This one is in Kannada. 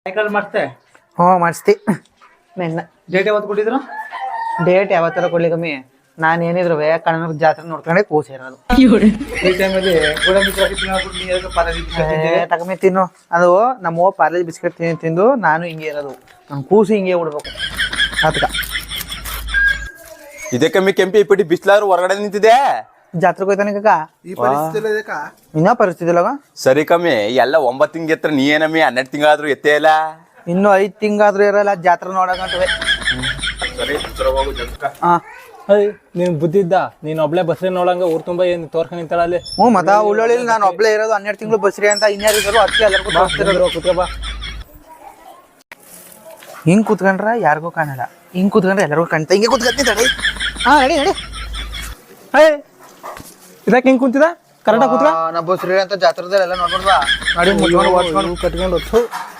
ಸೈಕಲ್ ಮಾಡ್ತೆ ಹ್ಞೂ ಮಾಡಿಸ್ತಿ ನಿನ್ನ ಡೇಟ್ ಯಾವತ್ತು ಕೊಟ್ಟಿದ್ರು? ಡೇಟ್ ಯಾವತ್ತರ ಕೊಡ್ಲಿ ಕಮ್ಮಿ. ನಾನು ಏನಿದ್ರು ಕಣ್ಣನ ಜಾತ್ರೆ ನೋಡ್ಕೊಂಡೆ ಕೂಸಿರೋದು. ಈ ಟೈಮಲ್ಲಿ ಗೋಡಂಬಿ ಚಾಕಿ ತಿನ್ನೋದು ನೀ ಯಾಕೆ ಪಾರ್ಲೆ ಬಿಸ್ಕೆಟ್ ತಿಂದಿದೆ? ತಕಮಿ ತಿನ್ನು. ಅದು ನಮ್ಮ ಪಾರ್ಲೇಜ್ ಬಿಸ್ಕೆಟ್ ತಿಂದು ನಾನು ಹಿಂಗೆ ಇರೋದು. ನನ್ನ ಕೂಸು ಹಿಂಗೆ ಉಡ್ಬೇಕು ಅದಕ್ಕೆ. ಇದೇ ಕಮ್ಮಿ ಕೆಂಪಿ ಇಪ್ಪಿಟ್ಟು ಬಿಸ್ಲಾದ್ರು ಹೊರಗಡೆ ನಿಂತಿದೆ. ಜಾತ್ರೆಗೆ ಹೋಯ್ತಾನೆ ಕಾಕ. ಈ ಪರಿಸ್ಥಿತಿ ಇದಕ್ಕ ಇನ್ನೂ ಪರಿಸ್ಥಿತಿ ಇಲ್ಲವ. ಸರಿ ಕಮ್ಮಿ ಎಲ್ಲ 9 ತಿಂಗ್ ಎತ್ತರ ನೀ ಏನಮ್ಮಿ 12 ತಿಂಗಳಾದ್ರೂ ಎತ್ತೇ ಇಲ್ಲ. ಇನ್ನೂ 5 ತಿಂಗಾದ್ರೂ ಇರಲ್ಲ ಜಾತ್ರೆ ನೋಡಕಂತವೆ. ಸರಿ ಹಾ ನೀನ್ ಬುದ್ಧಿ ಇದ್ದ ನೀನ್ ಒಬ್ಳೆ ಬಸ್ರಿ ನೋಡಂಗ ಊರ್ ತುಂಬಾ ಏನ್ ತೋರ್ಕೊಂಡ್ ನಿಂತಾಳ ಅಲ್ಲಿ. ಹ್ಞೂ ಮತ್ತ ಉಳ್ಳೊಳ್ಳಿ ನಾನು ಒಬ್ಳೆ ಇರೋದು 12 ತಿಂಗಳು ಬಸ್ರಿ ಅಂತ ಇನ್ಯಾರಿದ್ರು ಅದಕ್ಕೆ ಎಲ್ಲರಿಗೂ ತೋರಿಸ್ತಿರೋದು. ಕುತ್ಕ ಬಾ. ಹಿಂಗ್ ಕೂತ್ಕೊಂಡ್ರ ಯಾರಿಗೂ ಕಾಣಲ್ಲ, ಹಿಂಗ್ ಕೂತ್ಕೊಂಡ್ರೆ ಎಲ್ಲರಿಗೂ ಕಾಣ್ತಾ. ಹಿಂಗೆ ಕೂತ್ಕೊಂತೀನಿ ತಡಿ. ಹಾ ನಡಿ ನಡಿ. ಇದಕ್ಕೆ ಹಿಂಗ್ ಕುಂತಿದ ಕರೆಕ್ಟಾಗಿ ಕುತ್ಕ. ನಾ ಬಸ್ರಿ ಅಂತ ಜಾತ್ರೆದಲ್ಲ ನೋಡ್ಬಾರ್ದ. ನಡಿ ಮುಚ್ಕೊಂಡು ಓಡ್ಸ್ಕೊಂಡು ಕಟ್ಕೊಂಡು